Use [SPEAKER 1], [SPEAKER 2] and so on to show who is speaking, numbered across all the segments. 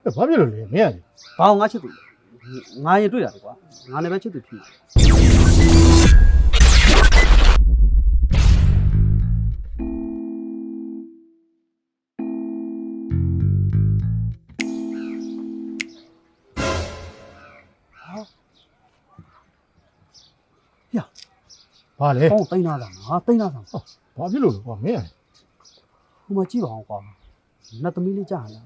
[SPEAKER 1] ဘာဖြစ်လို့လဲမင်းက
[SPEAKER 2] ဘာငါချစ်သူငါရင်တွေ့တာလေကွာငါလည်းပဲချစ်သူဖြစ်မှာ
[SPEAKER 1] ဘာလဲ
[SPEAKER 2] ဟောတိန်းလာတာငါတိန်းလာတာ
[SPEAKER 1] ဘာဖြစ်လို့လဲကွာမင်းက
[SPEAKER 2] ဟိုမှာကြည့်ပါအောင်ကွာနတ်သမီးလေးကြားလာ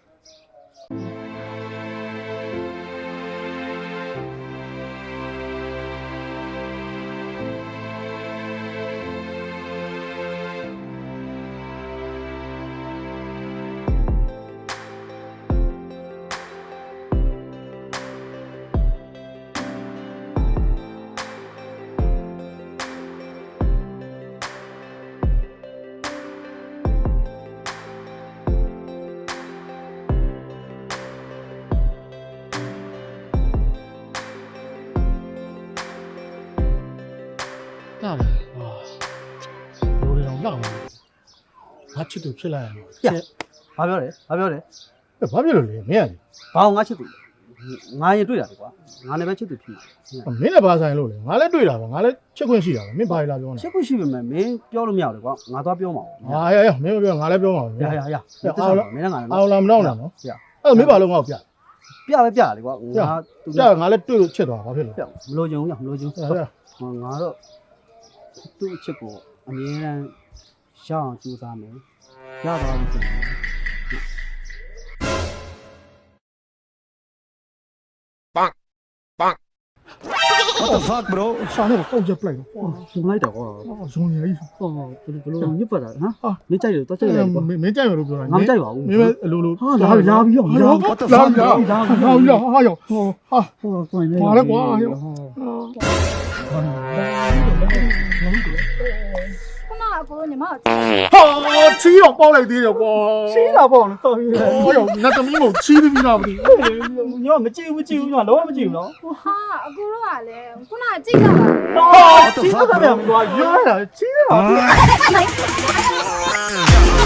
[SPEAKER 1] လာပါလူတွေတော့လောက်ငါချစ်သူဖြစ်လာရတော့
[SPEAKER 2] ဘာပြောလဲဘာပြောလဲ
[SPEAKER 1] ဘာဖြစ်လို့လဲမင်းက
[SPEAKER 2] ဘာငါချစ်သူငါရင်တွေ့တာလေကွာငါလည်းပဲချစ်သူဖြစ်မှာ
[SPEAKER 1] မင်းနဲ့ဘာဆိုင်လို့လဲငါလည်းတွေ့တာပဲငါလည်းချက်ခွင့်ရှိတာပဲမင်းဘာလာပြောနေ
[SPEAKER 2] ချစ်ခုရှိပေမဲ့မင်းပြောလို့မရဘူးလေကွာငါသွားပြောမှာပေါ့
[SPEAKER 1] ဟာရမင်းမပြောငါလည်းပြောမှာပဲ
[SPEAKER 2] ရမင်းလည်းငါလည်း
[SPEAKER 1] အောင်လာမတော့နော်အဲ့မင်းဘာလို့ငါ့ကိုပြ
[SPEAKER 2] ပဲပြလေကွာငါသူ
[SPEAKER 1] ပြငါလည်းတွေ့လို့ချစ်သွားဘာဖြစ်လို့
[SPEAKER 2] မလို့ချင်ဘူးမလို့ချင်ဘူးငါတော့သူ့အချစ်ကိုအမြဲတမ်းရအောင်ကြိုးစားမယ်ရသွားပြီဆိုရင်
[SPEAKER 3] What the fuck bro
[SPEAKER 1] ရှာနေတော့ချက်ပလိုက်တော့
[SPEAKER 2] ရှင်လိုက်တော့ကွာ
[SPEAKER 1] ဇုံနေကြီး
[SPEAKER 2] ဟောဘယ်လိုညစ်ပတ်တာဟမ်မင်းကြိုက်တယ်တော့ကြိုက်တယ်ကွာ
[SPEAKER 1] မင်းကြိုက်ရလို့ပြောတာ
[SPEAKER 2] ငါမကြိုက်ပါဘူး
[SPEAKER 1] မင်းပဲအလိုလို
[SPEAKER 2] ဟာလာပြီးတော့
[SPEAKER 3] What the fuck bro
[SPEAKER 1] ဟာရောဟာ
[SPEAKER 2] ဟောဆိုရင်
[SPEAKER 1] ဘာလဲကွာ
[SPEAKER 4] ခုနကကိုညီမ
[SPEAKER 1] ဟာချီးတော့ပေါက်လိုက်သေးတယ်ကွာ
[SPEAKER 2] ချီးတာပေါ့နော်တော်ပြီ
[SPEAKER 1] ဟောရောနတ်သမီးကိုချီးပြီးလားမသိ
[SPEAKER 2] ညမကြည့်ဘူးညလုံးဝမကြည့်ဘူးနော်
[SPEAKER 4] ဟာအကိုတို့ကလည်းခုနကကြိတ်လာတာ
[SPEAKER 2] ချီးတာပြန်ကွာရွားတာချီးတာ